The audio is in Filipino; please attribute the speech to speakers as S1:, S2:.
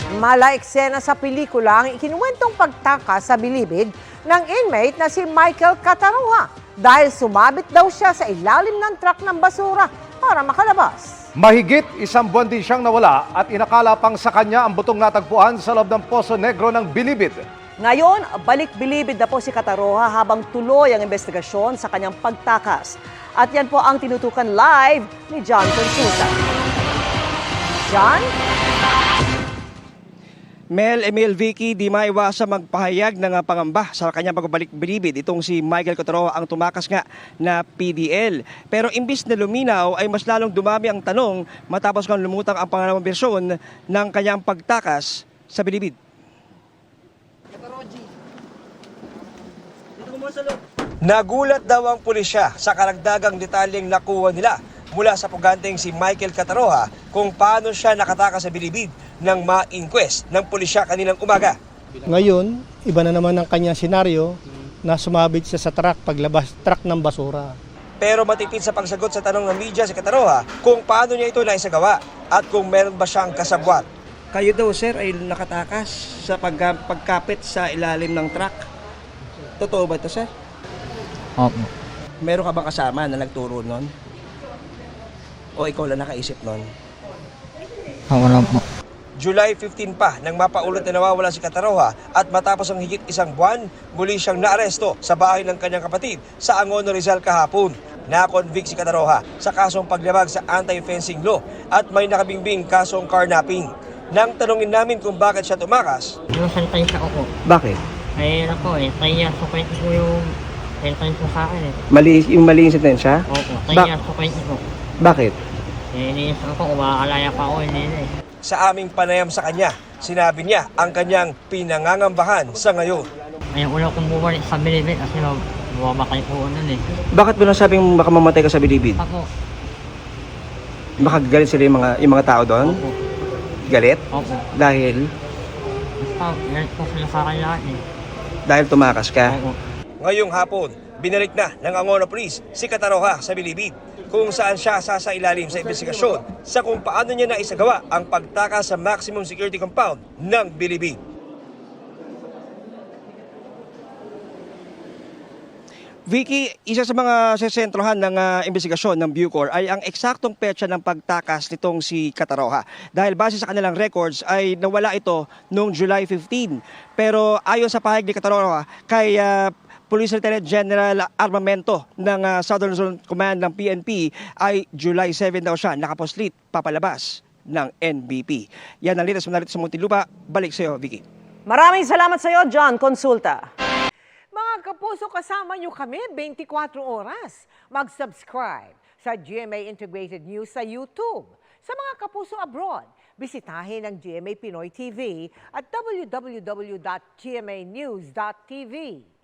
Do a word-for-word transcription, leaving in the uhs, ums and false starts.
S1: Mala eksena sa pelikula ang ikinuwentong pagtakas sa bilibid ng inmate na si Michael Cataroha dahil sumabit daw siya sa ilalim ng truck ng basura para makalabas.
S2: Mahigit isang buwan din siyang nawala at inakala pang sa kanya ang butong natagpuan sa loob ng Poso Negro ng Bilibid.
S3: Ngayon, balik bilibid na po si Cataroha habang tuloy ang investigasyon sa kanyang pagtakas. At yan po ang tinutukan live ni John Consulta. John?
S4: Mel, Emil, Vicky, di maiwasa magpahayag ng pangamba sa kanyang pagbabalik bilibid. Itong si Michael Cataroha ang tumakas nga na P D L. Pero imbis na luminaw ay mas lalong dumami ang tanong matapos kang lumutang ang pangalawang bersyon ng kanyang pagtakas sa bilibid. Nagulat daw ang pulisya sa karagdagang detalyeng nakuha nila mula sa puganteng si Michael Cataroha kung paano siya nakatakas sa bilibid ng ma-inquest ng pulisya kaninang umaga.
S5: Ngayon, iba na naman ang kanyang senaryo na sumabit siya sa truck paglabas truck ng basura.
S4: Pero matipid sa pagsagot sa tanong ng media si Cataroha kung paano niya ito naisagawa at kung meron ba siyang kasabwat. Kayo daw sir ay nakatakas sa pag pagkapit sa ilalim ng truck. Totoo ba ito sir?
S6: Opo.
S4: Meron ka bang kasama na nagturo nun? O ikaw lang nakaisip nun?
S6: Ako lang po.
S4: July fifteen pa nang mapaulat na nawawala si Cataroha at matapos ang higit isang buwan, muli siyang naaresto sa bahay ng kanyang kapatid sa Angono, Rizal kahapon. Na-convict si Cataroha sa kasong paglabag sa anti-fencing law at may nakabingbing kasong carnapping. Nang tanungin namin kung bakit siya tumakas,
S6: Yung sentence ako po.
S4: bakit?
S6: Ay, ano po eh. Three years po po yung sentence po sa akin eh.
S4: Mali, yung mali yung sentensya?
S6: Opo. Three
S4: Ba-
S6: years po po.
S4: Bakit?
S6: Eh, iniis ako. Umakalaya pa ako. Hindi eh.
S4: Sa aming panayam sa kanya, sinabi niya ang kanyang pinangangambahan sa ngayon.
S6: Ay, una kong bumalik sa bilibid kasi mamatay po nun eh.
S4: Bakit mo nasabing baka mamatay ka sa bilibid?
S6: Ako.
S4: Baka galit sila yung mga, yung mga tao doon?
S6: Opo.
S4: Galit?
S6: Opo.
S4: Dahil?
S6: Basta, galit po sila sa akin lahat eh.
S4: Dahil tumakas ka?
S6: Opo.
S4: Ngayong hapon, binalik na ng Angono Police si Cataroha sa bilibid kung saan siya sasailalim sa investigasyon sa kung paano niya naisagawa ang pagtakas sa maximum security compound ng bilibid. Vicky, isa sa mga sesentrohan ng uh, investigasyon ng Bucor ay ang eksaktong petsa ng pagtakas nitong si Cataroha. Dahil base sa kanilang records ay nawala ito noong July fifteenth. Pero ayon sa pahayag ni Cataroha kay uh, Police Lieutenant General Armamento ng uh, Southern Zone Command ng P N P ay July seventh daw siya nakaposlit papalabas ng N B P. Yan ang litas mo narito sa Muntinlupa. Balik sa iyo, Vicky.
S3: Maraming salamat sa iyo, John Consulta.
S1: Mga kapuso, kasama nyo kami twenty-four oras. Mag-subscribe sa G M A Integrated News sa YouTube. Sa mga kapuso abroad, bisitahin ang G M A Pinoy T V at w w w dot g m a news dot t v.